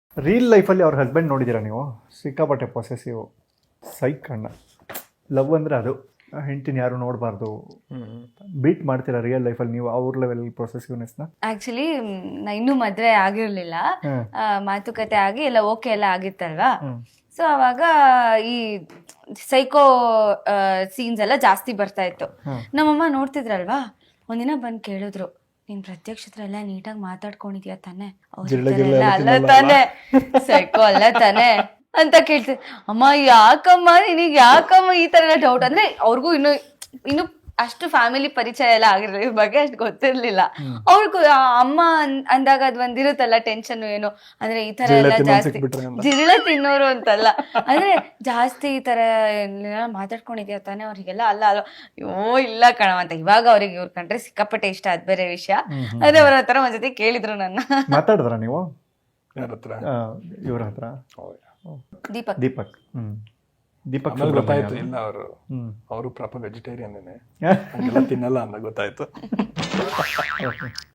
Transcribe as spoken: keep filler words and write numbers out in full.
Reel ಲೈಫಲ್ಲಿ ಅವ್ರ husband ನೋಡಿದ್ದೀರಾ ನೀವು? ಸಿಕ್ಕಾಪಟ್ಟೆ ಪೊಸೆಸಿವ್ ಸೈಕ್ ಅಣ್ಣ. ಲವ್ ಅಂದರೆ ಅದು, ಹೆಂಡ್ತಿನ ಯಾರು ನೋಡಬಾರ್ದು. ಬೀಟ್ ಮಾಡ್ತೀರಾ ರಿಯಲ್ ಲೈಫಲ್ಲಿ ನೀವು ಅವ್ರ ಲೆವೆಲ್ ಪ್ರೊಸೆಸಿವ್ನೆಸ್ನ? ಆಕ್ಚುಲಿ ನಾ ಇನ್ನೂ ಮದ್ವೆ ಆಗಿರ್ಲಿಲ್ಲ, ಆ, ಮಾತುಕತೆ ಆಗಿ ಎಲ್ಲ ಓಕೆ ಎಲ್ಲ ಆಗಿತ್ತಲ್ವಾ. ಸೊ ಅವಾಗ ಈ ಸೈಕೋ ಸೀನ್ಸ್ ಎಲ್ಲ ಜಾಸ್ತಿ ಬರ್ತಾ ಇತ್ತು. ನಮ್ಮಮ್ಮ ನೋಡ್ತಿದ್ರಲ್ವಾ, ಒಂದಿನ ಬಂದ್ ಕೇಳಿದ್ರು, ನೀನ್ ಪ್ರತ್ಯಕ್ಷ ಹತ್ರ ಎಲ್ಲ ನೀಟಾಗಿ ಮಾತಾಡ್ಕೊಂಡಿದ್ಯಾ ತಾನೆ, ಅವ್ರ ಅಲ್ಲ ತಾನೆ, ಸೈಕೋ ಅಲ್ಲ ತಾನೆ ಅಂತ ಕೇಳ್ತಿದ್. ಅಮ್ಮ ಯಾಕಮ್ಮ ನಿನಗ್ ಯಾಕಮ್ಮ ಈ ತರ ಎಲ್ಲ ಡೌಟ್? ಅಂದ್ರೆ ಅವ್ರಿಗೂ ಇನ್ನು ಇನ್ನು ಅಷ್ಟು ಫ್ಯಾಮಿಲಿ ಪರಿಚಯ ಎಲ್ಲ ಆಗಿರ್ಲಿಲ್ಲ, ಇವ್ರ ಬಗ್ಗೆ ಅಷ್ಟು ಗೊತ್ತಿರ್ಲಿಲ್ಲ ಅವ್ರಿಗೂ. ಅಮ್ಮ ಅಂದಾಗ ಅದ್ ಒಂದಿರುತ್ತಲ್ಲ ಟೆನ್ಷನ್, ಏನು ಅಂದ್ರೆ ಈ ತರ ಎಲ್ಲ ಜಾಸ್ತಿ ಜಿರಳೆ ತಿನ್ನೋರು ಅಂತಲ್ಲ, ಅಂದ್ರೆ ಜಾಸ್ತಿ ಈ ತರ ಎಲ್ಲ ಮಾತಾಡ್ಕೊಂಡಿದ್ಯಾ ತಾನೆ ಅವ್ರಿಗೆಲ್ಲ ಅಲ್ಲ ಅಲ್ವ. ಅಯ್ಯೋ ಇಲ್ಲ ಕಣವ ಅಂತ. ಇವಾಗ ಅವ್ರಿಗೆ ಇವ್ರ ಕಂಡ್ರೆ ಸಿಕ್ಕಾಪಟ್ಟೆ ಇಷ್ಟ, ಅದ್ ಬೇರೆ ವಿಷಯ. ಅದೇ ಅವ್ರ ಹತ್ರ ಒಂದ್ಸತಿ ಕೇಳಿದ್ರು ನನ್ನ. ಮಾತಾಡಿದ್ರ ನೀವು ಯಾರ ಹತ್ರ? ಇವ್ರ ಹತ್ರ? ದೀಪಕ್ ದೀಪಕ್ ಹ್ಮ್ ದೀಪಕ್ ಗೊತ್ತಾಯ್ತು. ಇಲ್ಲ ಅವರು ಅವರು ಪ್ರಾಪರ್ ವೆಜಿಟೇರಿಯನ್, ಹಂಗೆಲ್ಲ ತಿನ್ನಲ್ಲ ಅಂತ ಗೊತ್ತಾಯ್ತು.